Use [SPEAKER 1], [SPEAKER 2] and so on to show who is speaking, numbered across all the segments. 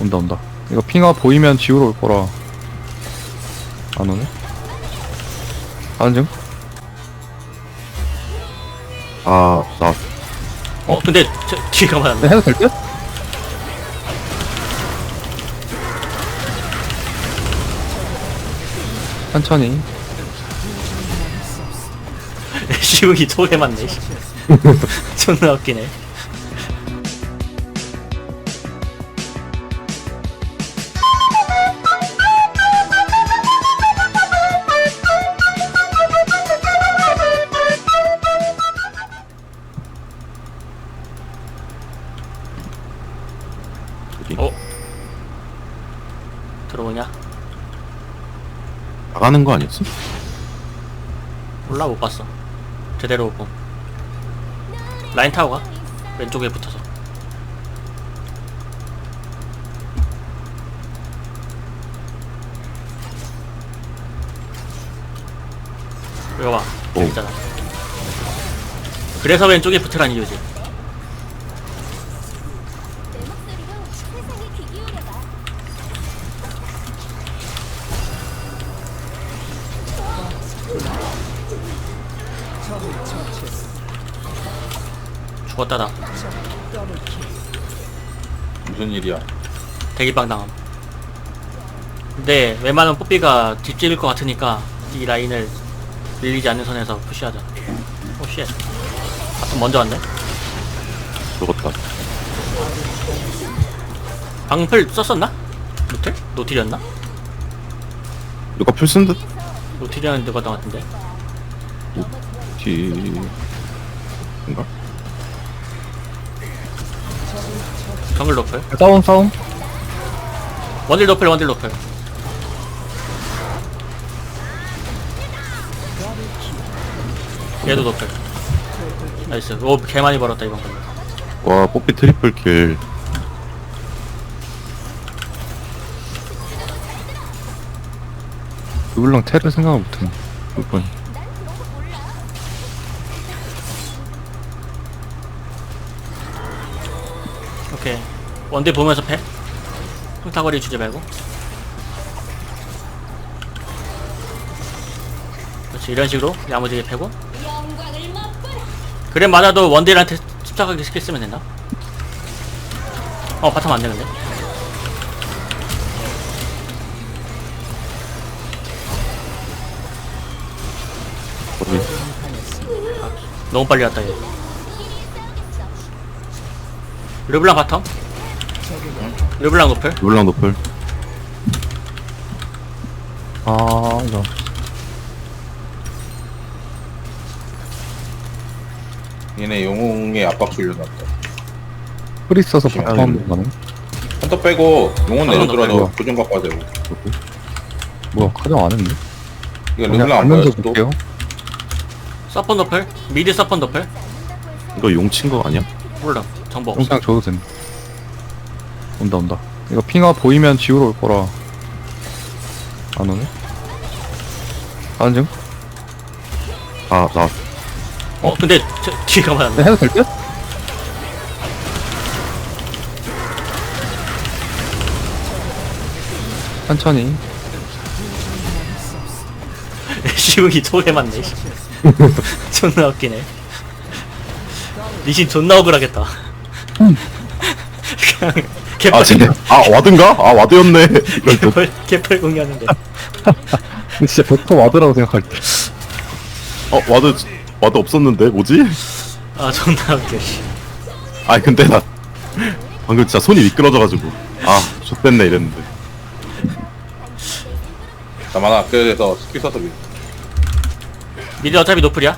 [SPEAKER 1] 온다 온다. 이거 핑화 보이면 지우러 올 거라. 안 오네? 가는 중?
[SPEAKER 2] 아, 나
[SPEAKER 3] 근데 저 뒤가
[SPEAKER 1] 네,
[SPEAKER 3] 맞았네.
[SPEAKER 1] 해도 될 듯? 천천히.
[SPEAKER 3] 시욱이 저게 맞네. 존나 웃기네. 들어오냐?
[SPEAKER 2] 나가는 거 아니었어?
[SPEAKER 3] 몰라, 못 봤어. 제대로 못 봄. 라인 타고 가. 왼쪽에 붙어서. 이거 봐. 여기
[SPEAKER 2] 오.
[SPEAKER 3] 있잖아. 그래서 왼쪽에 붙으란 이유지. 죽었다 나.
[SPEAKER 2] 무슨 일이야?
[SPEAKER 3] 대기빵 당함. 근데 웬만하면 뽀삐가 뒷집일 것 같으니까 이 라인을 밀리지 않는 선에서 푸시하자. 오 쉣. 바텀 먼저 왔네.
[SPEAKER 2] 죽었다.
[SPEAKER 3] 방풀 썼었나? 노틸? 노틸이었나?
[SPEAKER 2] 누가 풀 쓴 듯?
[SPEAKER 3] 노틸이었는 누가 것 같은데.
[SPEAKER 2] 뒤... 뭔가?
[SPEAKER 3] 정글 노플.
[SPEAKER 1] 싸움.
[SPEAKER 3] 원딜 노플 원딜 노플. 얘도 노플. 나이스. 오 개 많이 벌었다 이번 걸로.
[SPEAKER 2] 와, 뽀삐 트리플 킬.
[SPEAKER 1] 르블랑 테를 생각을 못했네. 몇 번.
[SPEAKER 3] 오케이. 원딜 보면서 패. 흉타거리 주지 말고. 그렇지 이런 식으로 야무지게 패고. 그래 맞아도 원딜한테 침착하게 스킬 쓰면 된다. 바텀 안 되는데.
[SPEAKER 2] 어디?
[SPEAKER 3] 너무 빨리 왔다 얘. 르블랑 바텀. 르블랑 노플.
[SPEAKER 2] 르블랑 노플.
[SPEAKER 1] 아, 이거.
[SPEAKER 4] 얘네 영웅에 압박 줄려놨다.
[SPEAKER 1] 프리 써서
[SPEAKER 4] 조심해.
[SPEAKER 1] 바텀 한번 가네.
[SPEAKER 4] 한터 빼고 용은 내려더라도
[SPEAKER 1] 빼고.
[SPEAKER 4] 고정 갖고 와야 되고.
[SPEAKER 1] 뭐야, 가정 안 했는데?
[SPEAKER 4] 이거
[SPEAKER 1] 그냥
[SPEAKER 4] 르블랑 안
[SPEAKER 1] 알면서
[SPEAKER 4] 보여서 또
[SPEAKER 1] 볼게요.
[SPEAKER 3] 서폰 노플. 미드 서폰 노플.
[SPEAKER 2] 이거 용 친 거 아니야?
[SPEAKER 3] 몰라. 정보 없어.
[SPEAKER 1] 영상 줘도 된다. 온다. 이거 핑화 보이면 지우러 올 거라. 안 오네? 가는 중?
[SPEAKER 2] 아, 나
[SPEAKER 3] 근데 저 뒤가 맞았네.
[SPEAKER 1] 네, 해도 될 듯? 천천히.
[SPEAKER 3] 시욱이 저게 맞네. 존나 웃기네. 리신 존나 억울하겠다. 그냥
[SPEAKER 2] 아, 쟤네. 아, 와드인가? 아, 와드였네. 이럴 듯.
[SPEAKER 3] 개펄 공유하는데.
[SPEAKER 1] 근데 진짜 벽터 와드라고 생각할 때.
[SPEAKER 2] 와드 없었는데, 뭐지?
[SPEAKER 3] 아 존나 웃겨. 씨.
[SPEAKER 2] 아니, 근데 나 방금 진짜 손이 미끄러져가지고. 아, 좆됐네, 이랬는데.
[SPEAKER 4] 나만아 그래서 스킬 써서 밀.
[SPEAKER 3] 미드 어차피 노플이야.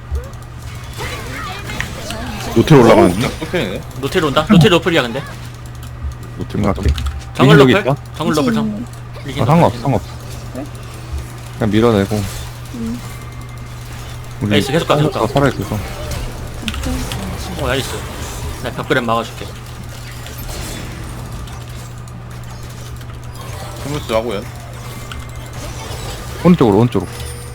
[SPEAKER 2] 노텔 올라가는 중?
[SPEAKER 4] 네
[SPEAKER 3] 노틸 온다. 노틸 노플이야 근데.
[SPEAKER 1] 노틸 생각해.
[SPEAKER 3] 정글
[SPEAKER 1] 여기
[SPEAKER 3] 노플.
[SPEAKER 1] 있다?
[SPEAKER 3] 정글 노플 정. 리신
[SPEAKER 1] 아,
[SPEAKER 3] 노플,
[SPEAKER 1] 상관없어. 그냥 밀어내고. 우리
[SPEAKER 3] 나이스, 계속 가, 계속 가.
[SPEAKER 1] 살아있어서.
[SPEAKER 3] 나이스. 나 벽그램 막아줄게.
[SPEAKER 4] 스무스 하고요.
[SPEAKER 1] 오른쪽으로. 굿.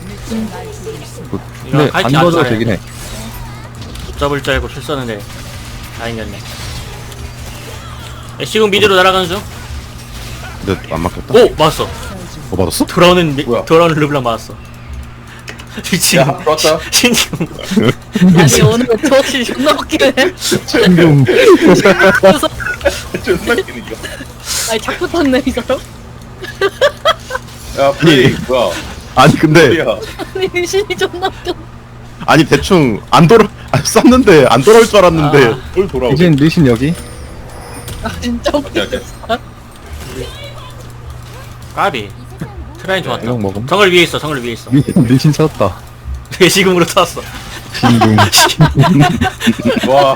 [SPEAKER 1] 근데
[SPEAKER 3] 이거
[SPEAKER 1] 안
[SPEAKER 3] 칼치 안
[SPEAKER 1] 넣어도
[SPEAKER 3] 써야
[SPEAKER 1] 되긴 해.
[SPEAKER 3] 못 잡을 줄 알고 실 썼는데 다행이었네. 애쉬군 미드로 날아가는 중.
[SPEAKER 2] 근데 안 맞겠다.
[SPEAKER 3] 오 맞았어.
[SPEAKER 2] 맞았어?
[SPEAKER 4] 뭐야?
[SPEAKER 3] 돌아오는 르블랑 맞았어. 미친.
[SPEAKER 4] 야 들어왔다.
[SPEAKER 3] 신경.
[SPEAKER 5] 아니 오늘 정신 존나 웃기네.
[SPEAKER 1] 신경.
[SPEAKER 5] 그래서
[SPEAKER 4] 존나 웃기네 이거.
[SPEAKER 5] 아니 자꾸 탔네 이 사람.
[SPEAKER 4] 야 플레이 뭐야?
[SPEAKER 2] 아니 근데
[SPEAKER 4] 플레이야.
[SPEAKER 5] 아니 신이 존나 웃겨.
[SPEAKER 2] 아니 대충 안 돌아 쐈는데 안 돌아올 줄 알았는데
[SPEAKER 4] 뭘 돌아오게?
[SPEAKER 1] 리신 리신 여기.
[SPEAKER 5] 아 진짜
[SPEAKER 4] 오케이,
[SPEAKER 5] 웃겨.
[SPEAKER 4] 오케이.
[SPEAKER 3] 까비. 트라인 좋았다.
[SPEAKER 1] 이거 먹음.
[SPEAKER 3] 정글 위에 있어. 정글 위에 있어.
[SPEAKER 1] 리신 찾았다.
[SPEAKER 3] 외식음으로 탔어.
[SPEAKER 1] 신경.
[SPEAKER 4] 와.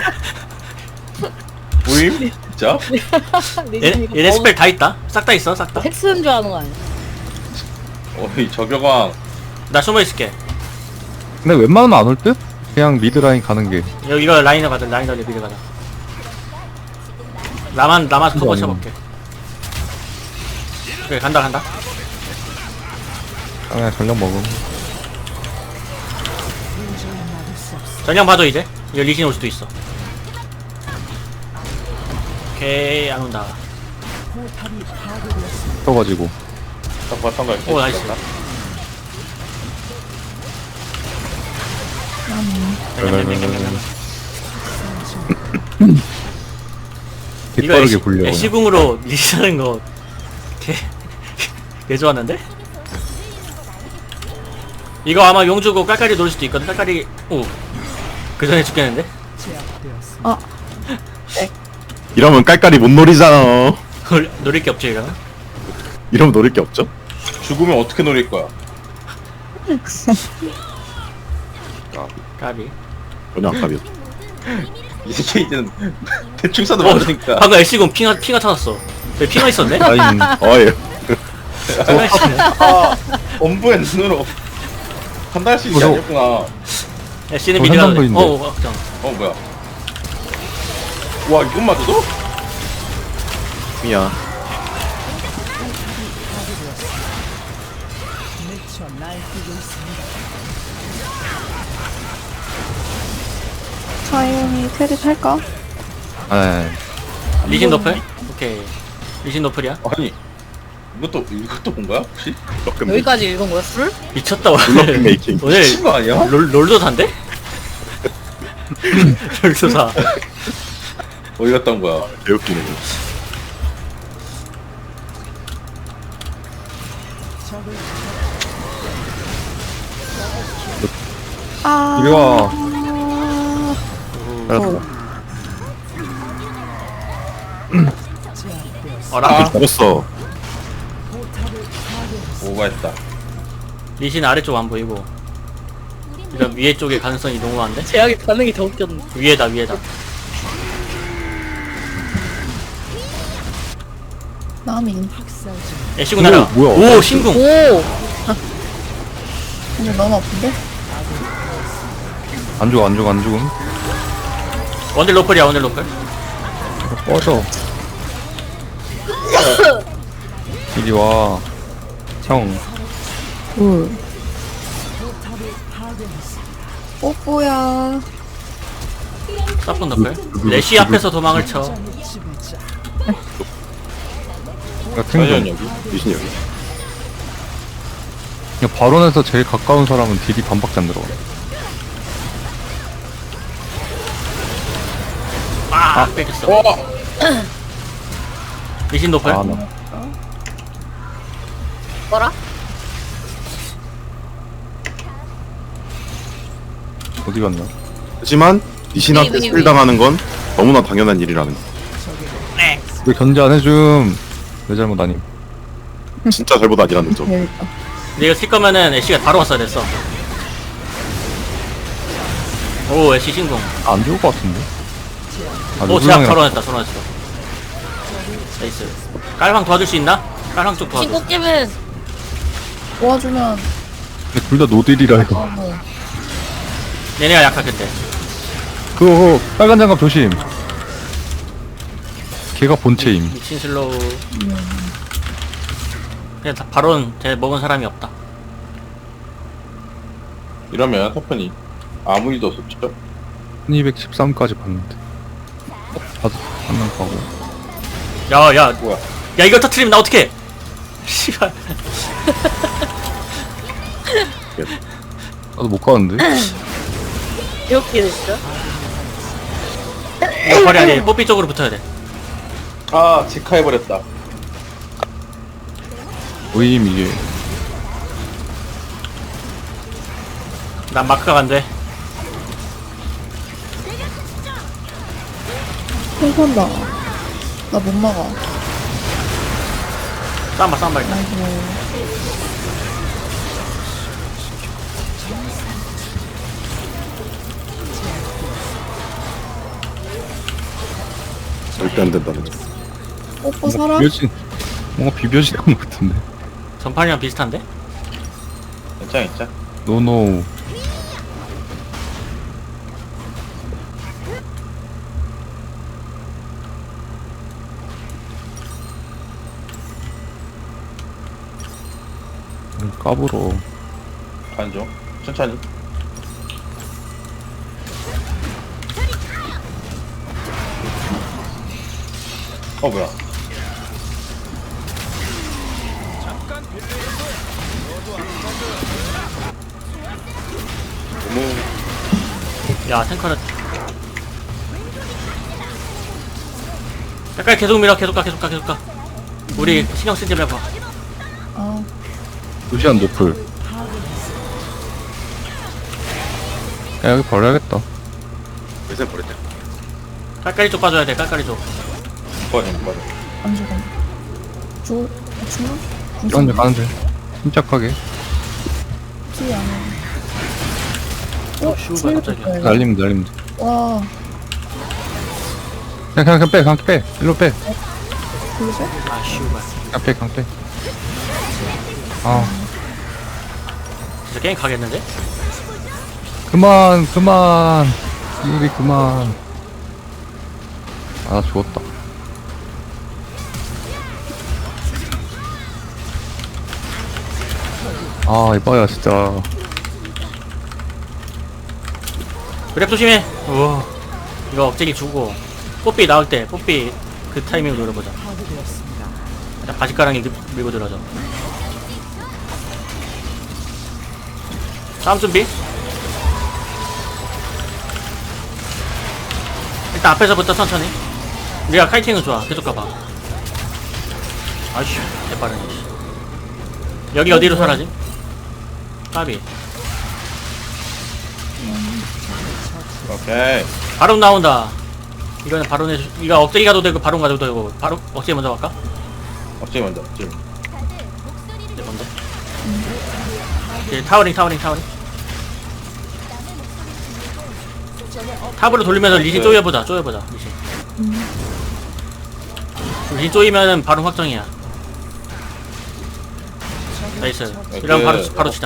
[SPEAKER 4] 모임? 진짜?
[SPEAKER 3] 얘네 스펠 다 있다. 싹 다 있어. 싹 다.
[SPEAKER 5] 텍스인 줄 아는 거 아니야?
[SPEAKER 4] 어이 저격왕.
[SPEAKER 3] 나 숨어 있을게.
[SPEAKER 1] 근데 웬만하면 안 올 듯? 그냥 미드 라인 가는 게.
[SPEAKER 3] 여기 이거 라인을 가자. 라인 달리 미드 가자. 나만 커버 쳐볼게. 그래 간다.
[SPEAKER 1] 아, 그냥 전력 먹음.
[SPEAKER 3] 전령 봐줘 이제. 이거 리신 올 수도 있어. 오케이 안 온다.
[SPEAKER 1] 떠가지고.
[SPEAKER 4] 딱 봤던 거.
[SPEAKER 3] 오 나이스. 이거
[SPEAKER 1] 개빠르게 굴려.
[SPEAKER 3] 애쉬궁으로 리시하는 거 개 좋았는데? 이거 아마 용 주고 깔깔이 노릴 수도 있거든. 깔깔이 그 전에 죽겠는데?
[SPEAKER 2] 이러면 깔깔이 못 노리잖아.
[SPEAKER 3] 노릴 게 없지 이러면?
[SPEAKER 2] 이러면 노릴 게 없죠?
[SPEAKER 4] 죽으면 어떻게 노릴 거야?
[SPEAKER 3] 까비.
[SPEAKER 2] 전혀 안 까비었죠.
[SPEAKER 4] 이 새끼 이제는 대충 써도 모르니까.
[SPEAKER 3] 방금 애쉬궁 핑하 찾았어. 왜 핑하 있었네?
[SPEAKER 1] 라인.
[SPEAKER 2] 어예.
[SPEAKER 3] 핑하 있었네.
[SPEAKER 4] 아 엄부의 눈으로 판단할 수 있지
[SPEAKER 1] 무서워.
[SPEAKER 4] 않겠구나.
[SPEAKER 3] 애쉬는
[SPEAKER 1] 저
[SPEAKER 3] 미드가
[SPEAKER 1] 한상도인데.
[SPEAKER 3] 잠깐.
[SPEAKER 4] 뭐야? 와 이건 맞아도?
[SPEAKER 2] 미야.
[SPEAKER 6] 자이언이 테리 탈까?
[SPEAKER 1] 아,
[SPEAKER 3] 리신 노플? 오케이. 리신 노플이야?
[SPEAKER 4] 아니 이것도 본 거야 혹시?
[SPEAKER 2] 조금
[SPEAKER 5] 여기까지 읽은 거야 술?
[SPEAKER 3] 미쳤다
[SPEAKER 2] 블럭
[SPEAKER 3] 오늘.
[SPEAKER 2] 메이킹.
[SPEAKER 3] 오늘
[SPEAKER 4] 미친 거 아니야?
[SPEAKER 3] 롤도사인데? 롤도사.
[SPEAKER 4] 어디 갔다 온 거야?
[SPEAKER 2] 개웃기네.
[SPEAKER 6] 아.
[SPEAKER 1] 이리 와.
[SPEAKER 3] 어라?
[SPEAKER 2] 잡았어.
[SPEAKER 4] 오버했다.
[SPEAKER 3] 리신 아래쪽 안 보이고 일단 위에 쪽에 가능성이 너무 많은데?
[SPEAKER 5] 제약이 반응이 더 웃겼네.
[SPEAKER 3] 위에다
[SPEAKER 6] 남인.
[SPEAKER 3] 애쉬군 날아.
[SPEAKER 1] 뭐야?
[SPEAKER 3] 오 신궁.
[SPEAKER 5] 오.
[SPEAKER 6] 근데 너무 아픈데?
[SPEAKER 1] 안 죽음.
[SPEAKER 3] 원딜 로플이야 원딜 로플.
[SPEAKER 1] 꺼져. 이리 와. 형.
[SPEAKER 6] 울. 뽀뽀야.
[SPEAKER 3] 사뿐 노플. 레시 앞에서 도망을 쳐.
[SPEAKER 1] 같은
[SPEAKER 4] 자이언
[SPEAKER 1] 거.
[SPEAKER 4] 여기.
[SPEAKER 2] 리신 여기.
[SPEAKER 1] 그냥 발언에서 제일 가까운 사람은 딜이 반밖에 안 들어가.
[SPEAKER 3] 뺏겼어.
[SPEAKER 4] 와.
[SPEAKER 3] 리신 노플.
[SPEAKER 1] 아, 나.
[SPEAKER 5] 뭐라?
[SPEAKER 1] 어디 갔나?
[SPEAKER 2] 하지만 리신한테
[SPEAKER 5] 위.
[SPEAKER 2] 스킬 당하는 건 너무나 당연한 일이라는 거.
[SPEAKER 1] 왜 견제 안 해줌? 내 잘못 아님.
[SPEAKER 2] 진짜 잘못 아니라는 점.
[SPEAKER 6] 재밌다.
[SPEAKER 3] 근데 이거 쓸 거면은 애쉬가 바로 왔어야 됐어. 오 애쉬 신궁.
[SPEAKER 1] 안 죽을 것 같은데? 아,
[SPEAKER 3] 오 제압
[SPEAKER 1] 르블랑이랑
[SPEAKER 3] 털어냈다. 나이스. 깔황 도와줄 수 있나? 깔황 쪽 도와줘.
[SPEAKER 5] 친구 깨면
[SPEAKER 6] 도와주면
[SPEAKER 1] 근데 둘 다 노딜이라 이거.
[SPEAKER 6] 너무.
[SPEAKER 3] 얘네가 약하겠대.
[SPEAKER 1] 그거 빨간 장갑 조심. 걔가 본체임.
[SPEAKER 3] 미친 슬로우. 그냥 다 바론 쟤 먹은 사람이 없다.
[SPEAKER 4] 이러면 터프니 아무 일도 없었죠?
[SPEAKER 1] 1213까지 봤는데. 봐도 한명 가고.
[SPEAKER 3] 야야
[SPEAKER 4] 뭐야?
[SPEAKER 3] 야 이거 터트리면 나 어떡해? 씨발.
[SPEAKER 1] 나도 못 가는데.
[SPEAKER 5] 귀엽게 됐죠?
[SPEAKER 3] 이거 거리 아니 뽀삐 쪽으로 붙어야 돼.
[SPEAKER 4] 아 직화해버렸다.
[SPEAKER 1] 모임 이게.
[SPEAKER 3] 난 마크가 안 돼.
[SPEAKER 6] 콩콘다. 나 못 막아.
[SPEAKER 3] 쌈바 일단.
[SPEAKER 6] 아이고.
[SPEAKER 2] 절대 안 된다는 점.
[SPEAKER 6] 뽀뽀 살아?
[SPEAKER 1] 뭔가 비벼지는 것 같은데.
[SPEAKER 3] 전판이랑 비슷한데?
[SPEAKER 4] 괜찮아 괜찮아.
[SPEAKER 1] 노노. 까불어.
[SPEAKER 4] 가는 중. 천천히. 뭐야?
[SPEAKER 3] 야 탱커는. 약간 계속 밀어 계속 가. 우리 신경 쓰지 말고.
[SPEAKER 6] 아,
[SPEAKER 1] 루시안 노플. 야, 여기 버려야겠다.
[SPEAKER 2] 회사 버렸대.
[SPEAKER 3] 깔깔이 쪽 빠져야 돼. 깔깔이 쪽.
[SPEAKER 4] 꺼져 꺼져.
[SPEAKER 6] 안 죽어. 죽어?
[SPEAKER 1] 이런데 가는데. 침착하게.
[SPEAKER 6] 티 안 해.
[SPEAKER 3] 슈가 갑자기.
[SPEAKER 1] 날리면 돼.
[SPEAKER 6] 와,
[SPEAKER 1] 그냥 빼. 일로 빼.
[SPEAKER 6] 그러죠?
[SPEAKER 3] 아 슈가.
[SPEAKER 1] 그냥 빼. 아,
[SPEAKER 3] 진짜 게임 가겠는데?
[SPEAKER 1] 그만. 우리 그만. 아, 나 죽었다. 아, 이봐야 진짜.
[SPEAKER 3] 그랩 조심해. 우와. 이거 억제기 주고 뽀삐 나올 때 뽀삐 그 타이밍을 노려보자. 일단 바지가랑이 밀고 들어줘. 다음 준비. 일단 앞에서부터 천천히. 우리가 카이팅은 좋아. 계속 가봐. 아이씨, 개빠르네. 씨. 여기 어디로 사라지? 까비.
[SPEAKER 4] 오케이.
[SPEAKER 3] 바로 나온다. 이거는 바로 내. 이거 억제기 가도 되고 바로 가도 되고. 바로 억제기 먼저 갈까?
[SPEAKER 4] 업체 먼저. 지금.
[SPEAKER 3] 네, 먼저. 타워링. 탑으로 돌리면서 리신 쪼여보자. 리신 쪼이면은 바로 확정이야. 나이스. 이러면 바로 치자.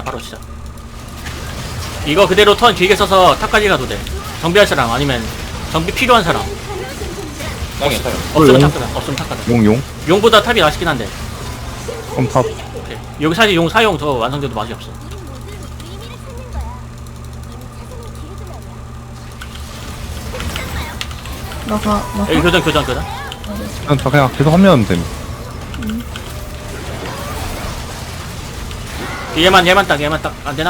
[SPEAKER 3] 이거 그대로 턴 길게 써서 탑까지 가도 돼. 정비할 사람 아니면 정비 필요한 사람.
[SPEAKER 4] 땅에 땅에.
[SPEAKER 3] 없으면
[SPEAKER 1] 용.
[SPEAKER 3] 탑 가자. 없으면 탑 가자.
[SPEAKER 1] 용.
[SPEAKER 3] 용보다 탑이 맛있긴 한데.
[SPEAKER 1] 그럼 탑.
[SPEAKER 3] 오케이. 여기 사실 용 사용 더 완성돼도 맛이 없어.
[SPEAKER 6] 나가.
[SPEAKER 3] 여기 교전.
[SPEAKER 1] 그냥 계속 하면 됨.
[SPEAKER 3] 얘만 딱 안되나?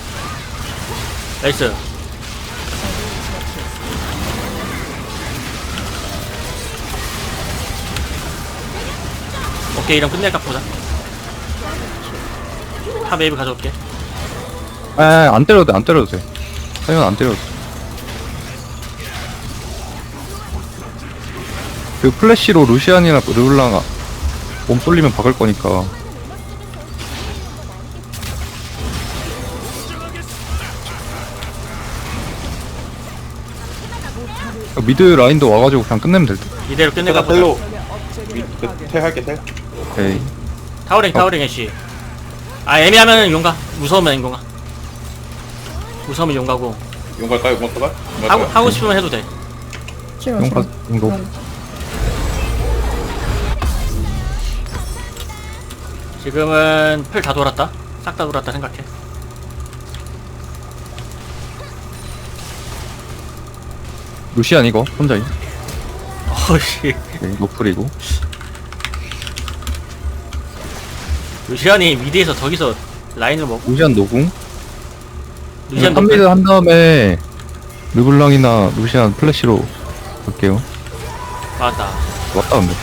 [SPEAKER 3] 나이스. 오케이 이럼 끝낼까 보자. 탑 웨이브 가져올게.
[SPEAKER 1] 안 때려도 돼. 사이언 안 때려도 돼. 그 플래시로 루시안이나 르블랑아 몸 쏠리면 박을 거니까. 미드 라인도 와가지고 그냥 끝내면 될 듯.
[SPEAKER 3] 이대로 끝낼까
[SPEAKER 4] 내가
[SPEAKER 3] 보자.
[SPEAKER 4] 텔로. 텔 할게 텔.
[SPEAKER 1] 오케이.
[SPEAKER 3] 타워링 애쉬. 아 애매하면은 용가. 무서우면 용가. 무서우면 용가고.
[SPEAKER 4] 용 갈까요? 용 갈까?
[SPEAKER 3] 하고 싶으면 해도 돼.
[SPEAKER 6] 싫어.
[SPEAKER 1] 용파 정도.
[SPEAKER 3] 지금은 풀 다 돌았다. 싹 다 돌았다 생각해.
[SPEAKER 1] 루시안 이거 혼자임.
[SPEAKER 3] 어씨.
[SPEAKER 1] 오케이, 노플이고.
[SPEAKER 3] 루시안이 미드에서 저기서 라인을 먹고
[SPEAKER 1] 루시안 노궁?
[SPEAKER 3] 루시안
[SPEAKER 1] 3미드
[SPEAKER 3] 노플.
[SPEAKER 1] 한 다음에 르블랑이나 루시안 플래시로 갈게요.
[SPEAKER 3] 맞다.
[SPEAKER 1] 왔다 근데.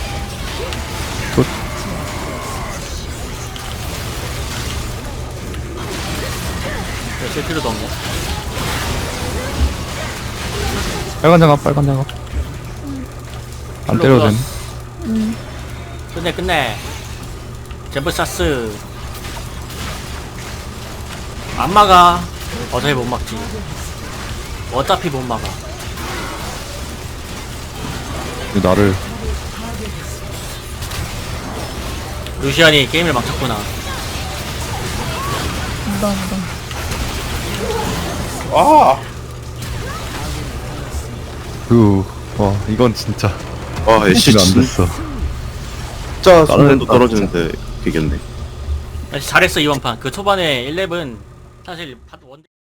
[SPEAKER 3] 쓸 필요도 없네.
[SPEAKER 1] 빨간 장갑 빨간 장갑. 안 때려도 되네.
[SPEAKER 3] 끝내. 제브사스. 안 막아. 어차피 못 막지. 어차피 못 막아.
[SPEAKER 1] 이거 나를
[SPEAKER 3] 루시안이 게임을 망쳤구나.
[SPEAKER 6] 감사합니다.
[SPEAKER 4] 아
[SPEAKER 1] 와 이건 진짜
[SPEAKER 2] 아 애쉬
[SPEAKER 1] 이거 안
[SPEAKER 2] 진짜
[SPEAKER 1] 됐어.
[SPEAKER 2] 수면도 떨어지는데 되겠네.
[SPEAKER 3] 잘했어 이번 판. 그 초반에 1렙은 사실 원